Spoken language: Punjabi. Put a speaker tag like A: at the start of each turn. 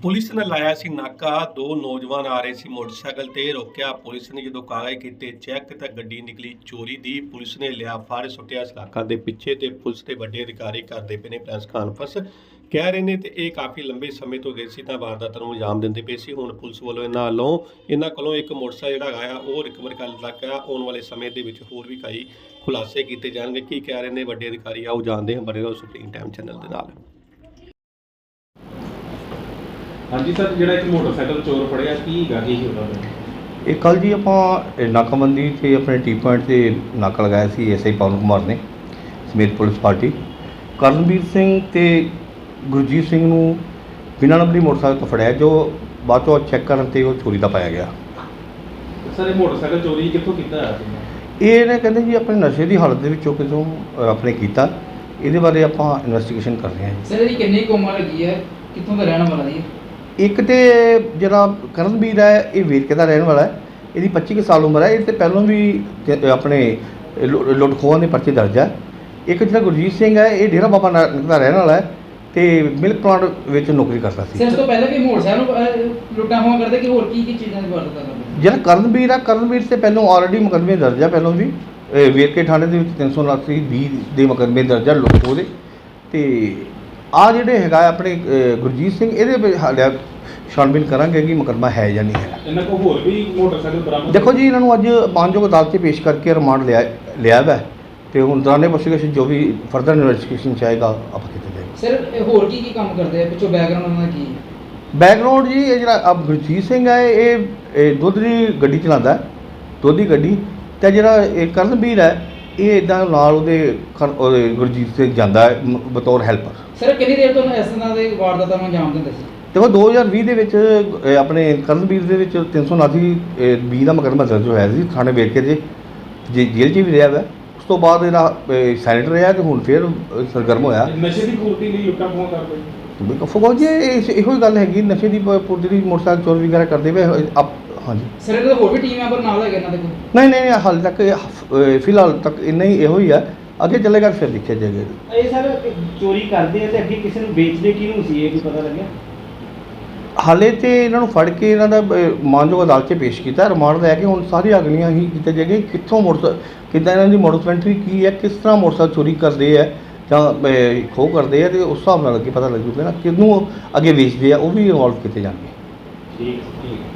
A: ਪੁਲਿਸ ਨੇ ਲਾਇਆ ਸੀ ਨਾਕਾ। ਦੋ ਨੌਜਵਾਨ ਆ ਰਹੇ ਸੀ ਮੋਟਰਸਾਈਕਲ ਤੇ, ਰੋਕਿਆ ਪੁਲਿਸ ਨੇ। ਜਦੋਂ ਕਾਗਜ਼ ਕੀਤੇ ਚੈੱਕ ਤਾਂ ਗੱਡੀ ਨਿਕਲੀ ਚੋਰੀ ਦੀ। ਪੁਲਿਸ ਨੇ ਲਿਆ ਫੜ, ਸੁੱਟਿਆ ਸਲਾਖਾਂ ਦੇ ਪਿੱਛੇ ਤੇ ਪੁਲਿਸ ਦੇ ਵੱਡੇ ਅਧਿਕਾਰੀ ਕਰਦੇ ਪਏ ਨੇ ਪ੍ਰੈਸ ਕਾਨਫਰੰਸ ਕਹਿ ਰਹੇ ਨੇ। ਤੇ ਇਹ ਕਾਫੀ ਲੰਬੇ ਸਮੇਂ ਤੋਂ ਗਏ ਸੀ ਤਾਂ ਵਾਰਦਾਤ ਨੂੰ ਅੰਜਾਮ ਦਿੰਦੇ ਪਏ ਸੀ। ਹੁਣ ਪੁਲਿਸ ਵੱਲੋਂ ਇਹਨਾਂ ਕੋਲੋਂ ਇੱਕ ਮੋਟਰਸਾਈਕਲ ਜਿਹੜਾ ਹੈਗਾ ਉਹ ਰਿਕਵਰ ਕਰ ਲਿਆ। ਆਉਣ ਵਾਲੇ ਸਮੇਂ ਦੇ ਵਿੱਚ ਹੋਰ ਵੀ ਕਈ ਖੁਲਾਸੇ ਕੀਤੇ ਜਾਣਗੇ। ਕੀ ਕਹਿ ਰਹੇ ਨੇ ਵੱਡੇ ਅਧਿਕਾਰੀ ਆਓ ਜਾਣਦੇ ਹਾਂ। ਬਣੇ ਰਹੋ ਸੁਪਰੀਮ ਟਾਈਮ ਚੈਨਲ ਦੇ ਨਾਲ।
B: हाँ जी सर, जो एक मोटरसाइकिल चोर फड़िया की गल ही होता
C: ਇਹ ਕੱਲ੍ਹ ਜੀ ਆਪਾਂ ਨਾਕਾਬੰਦੀ 'ਤੇ ਆਪਣੇ ਟੀ ਪੁਆਇੰਟ 'ਤੇ ਨਾਕਾ ਲਗਾਇਆ ਸੀ ਐਸਆਈ ਪਵਨ ਕੁਮਾਰ ਨੇ ਸਮੇਤ ਪੁਲਿਸ ਪਾਰਟੀ। ਕਰਨਵੀਰ ਸਿੰਘ ਤੇ ਗੁਰਜੀਤ ਸਿੰਘ ਨੂੰ ਬਿਨਾਂ ਨੰਬਰੀ ਮੋਟਰਸਾਈਕਲ ਤੋਂ ਫੜਿਆ, ਜੋ ਬਾਅਦ ਚੋਂ ਚੈੱਕ ਕਰਨ 'ਤੇ ਉਹ ਚੋਰੀ ਦਾ ਪਾਇਆ ਗਿਆ।
B: सर ये मोटरसाइकिल चोरी कितों किया?
C: ਇਹ ਨੇ ਕਹਿੰਦੇ ਜੀ ਆਪਣੇ ਨਸ਼ੇ ਦੀ ਹਾਲਤ ਦੇ ਵਿੱਚੋਂ ਕਿਤੋਂ ਆਪਣੇ ਕੀਤਾ। ਇਹਦੇ ਬਾਰੇ ਆਪਾਂ ਇਨਵੈਸਟੀਗੇਸ਼ਨ ਕਰ ਰਹੇ ਹਾਂ ਜੀ।
D: ਸਰ ਇਹਦੀ ਕਿੰਨੀ ਕੁ ਉਮਰ ਹੈਗੀ ਹੈ, ਕਿੱਥੋਂ ਦਾ ਰਹਿਣ ਵਾਲਾ ਜੀ?
C: ਇੱਕ ਤੇ ਜਿਹੜਾ ਕਰਨਵੀਰ ਹੈ ਇਹ ਵੇਰਕੇ ਦਾ ਰਹਿਣ ਵਾਲਾ ਹੈ, ਇਹਦੀ 25 ਕੁ ਸਾਲ ਉਮਰ ਹੈ। ਇਹ ਤੇ ਪਹਿਲਾਂ ਵੀ ਆਪਣੇ ਲੁੱਟ ਖੋਹਾਂ ਦੇ ਪਰਚੇ ਦਰਜ ਹੈ। ਇੱਕ ਜਿਹੜਾ ਗੁਰਜੀਤ ਸਿੰਘ ਹੈ ਇਹ ਡੇਰਾ ਬਾਬਾ ਨਾਨਕ ਦਾ ਰਹਿਣ ਵਾਲਾ ਹੈ ਤੇ ਮਿਲਕ ਪਲਾਂਟ ਵਿੱਚ ਨੌਕਰੀ ਕਰਦਾ ਸੀ।
D: ਸਰ ਇਸ ਤੋਂ ਪਹਿਲਾਂ ਵੀ ਮੋਟਰਸਾਈਕਲ ਲੁੱਟਾਂ ਖੋਹਾਂ ਕਰਦੇ ਕਿ ਹੋਰ ਕੀ ਚੀਜ਼ਾਂ ਦੀ ਵਾਰਦਾਤ ਕਰਦੇ?
C: ਜਿਹੜਾ ਕਰਨਵੀਰ ਹੈ, ਕਰਨਵੀਰ ਤੇ ਪਹਿਲਾਂ ਆਲਰੇਡੀ ਮੁਕੱਦਮੇ ਦਰਜ ਹੈ। ਪਹਿਲਾਂ ਵੀ ਵੇਰਕੇ ਥਾਣੇ ਦੇ ਵਿੱਚ 329(20) ਦੇ ਮੁਕੱਦਮੇ ਦਰਜ ਹੈ ਲੁੱਟ ਖੋਹ ਦੇ। ਤੇ ਆ ਜਿਹੜੇ ਹੈਗਾ ਆਪਣੇ ਗੁਰਜੀਤ ਸਿੰਘ, ਇਹਦੇ ਹਾਲੇ ਛਾਣਬੀਨ ਕਰਾਂਗੇ ਕਿ ਮੁਕੱਦਮਾ ਹੈ ਜਾਂ ਨਹੀਂ ਹੈ।
B: ਇਹਨਾਂ ਕੋਲ ਹੋਰ ਵੀ ਮੋਟਰਸਾਈਕਲ ਬਰਾਮਦ?
C: ਦੇਖੋ ਜੀ, ਇਹਨਾਂ ਨੂੰ ਅੱਜ ਮਾਨਯੋਗ ਅਦਾਲਤ 'ਚ ਪੇਸ਼ ਕਰਕੇ ਰਿਮਾਂਡ ਲਿਆ ਵਾ ਤੇ ਹੁਣ ਦੌਰਾਨੇ ਪੁੱਛਗਿੱਛ ਜੋ ਵੀ ਫਰਦਰ ਇਨਵੈਸਟੀਗੇਸ਼ਨ ਚਾਹੇਗਾ ਆਪਾਂ ਕੀਤੀ ਜਾਏਗੀ।
D: ਸਰ ਇਹ ਹੋਰ ਕੀ ਕੰਮ ਕਰਦੇ ਆ, ਪਿੱਛੋਂ ਬੈਕਗ੍ਰਾਉਂਡ ਉਹਨਾਂ ਦਾ ਕੀ ਹੈ?
C: ਬੈਕਗਰਾਉਂਡ ਜੀ, ਇਹ ਜਿਹੜਾ ਗੁਰਜੀਤ ਸਿੰਘ ਹੈ ਇਹ ਦੁੱਧ ਦੀ ਗੱਡੀ ਚਲਾਉਂਦਾ, ਦੁੱਧ ਦੀ ਗੱਡੀ। ਅਤੇ ਜਿਹੜਾ ਇਹ ਕਰਨਵੀਰ ਹੈ ਇਹ ਇੱਦਾਂ ਨਾਲ ਉਹਦੇ ਗੁਰਜੀਤ ਸਿੰਘ ਜਾਂਦਾ ਹੈ ਬਤੌਰ ਹੈਲਪਰ।
D: ਸਰ ਕਿੰਨੀ ਦੇਰ ਤੋਂ ਇਸ ਤਰ੍ਹਾਂ ਦੇ ਵਾਰਦਾਤਾਂ ਨੂੰ ਅੰਜਾਮ ਦਿੰਦੇ ਸੀ?
C: ਦੇਖੋ 2020 ਦੇ ਵਿੱਚ ਆਪਣੇ ਕਰਨਵੀਰ ਦੇ ਵਿੱਚ 329(20) ਦਾ ਮੁਕੱਦਮਾ ਦਰਜ ਹੋਇਆ ਸੀ ਥਾਣੇ ਵੇਰਕੇ ਦੇ ਜੇਲ੍ਹ 'ਚ ਵੀ ਰਿਹਾ ਵਾ। ਉਸ ਤੋਂ ਬਾਅਦ ਇਹਦਾ ਸਾਇਲੈਂਟ ਰਿਹਾ ਤੇ ਹੁਣ ਫਿਰ ਸਰਗਰਮ ਹੋਇਆ।
B: ਨਸ਼ੇ ਦੀ ਪੂਰਤੀ ਲਈ ਲੁੱਟਾਂ ਖੋਹਾਂ ਕਰਦੇ?
C: ਫੌਜ ਜੀ ਇਹੋ ਹੀ ਗੱਲ ਹੈਗੀ, ਨਸ਼ੇ ਦੀ ਪੂਰਤੀ ਦੀ ਮੋਟਰਸਾਈਕਲ ਚੋਰ ਵਗੈਰਾ ਕਰਦੇ ਪਏ। ਹਾਂਜੀ
D: ਸਰ ਇਹਦੇ ਹੋਰ ਵੀ ਟੀਮ ਮੈਂਬਰ ਨਾਲ ਹੈਗੇ ਇਹਨਾਂ ਦੇ ਕੋਲ?
C: ਨਹੀਂ ਹਾਲੇ ਤੱਕ ਫਿਲਹਾਲ ਤੱਕ ਇੰਨਾ ਹੀ ਇਹੋ ਹੀ ਆ। ਅੱਗੇ ਚੱਲੇਗਾ ਫਿਰ ਦੇਖਿਆ ਜਾਏਗਾ।
E: ਇਹ ਸਰ ਚੋਰੀ ਕਰਦੇ ਆ ਤੇ ਅੱਗੇ ਕਿਸੇ ਨੂੰ ਵੇਚਦੇ ਕਿਹਨੂੰ ਸੀ, ਇਹ ਵੀ ਪਤਾ ਲੱਗਿਆ?
C: ਹਾਲੇ ਤੇ ਇਹਨਾਂ ਨੂੰ ਫੜ ਕੇ ਇਹਨਾਂ ਦਾ ਮਾਨਯੋਗ ਅਦਾਲਤ 'ਚ ਪੇਸ਼ ਕੀਤਾ, ਰਿਮਾਂਡ ਲੈ ਕੇ ਹੁਣ ਸਾਰੀਆਂ ਅਗਲੀਆਂ ਹੀ ਕੀਤੇ ਜਾਏਗੇ। ਕਿੱਥੋਂ ਕਿੱਦਾਂ ਇਹਨਾਂ ਦੀ ਮੋਟਰਸੈਂਟਰੀ ਕੀ ਹੈ, ਕਿਸ ਤਰ੍ਹਾਂ ਮੋਟਰਸਾਈਕਲ ਚੋਰੀ ਕਰਦੇ ਆ ਜਾਂ ਖੋਹ ਕਰਦੇ ਆ, ਤੇ ਉਸ ਹਿਸਾਬ ਨਾਲ ਅੱਗੇ ਪਤਾ ਲੱਗ ਜੂਗਾ ਨਾ ਕਿਹਨੂੰ ਅੱਗੇ ਵੇਚਦੇ ਆ, ਉਹ ਵੀ ਇਨਵੋਲਵ ਕੀਤੇ ਜਾਣਗੇ।
B: ਠੀਕ।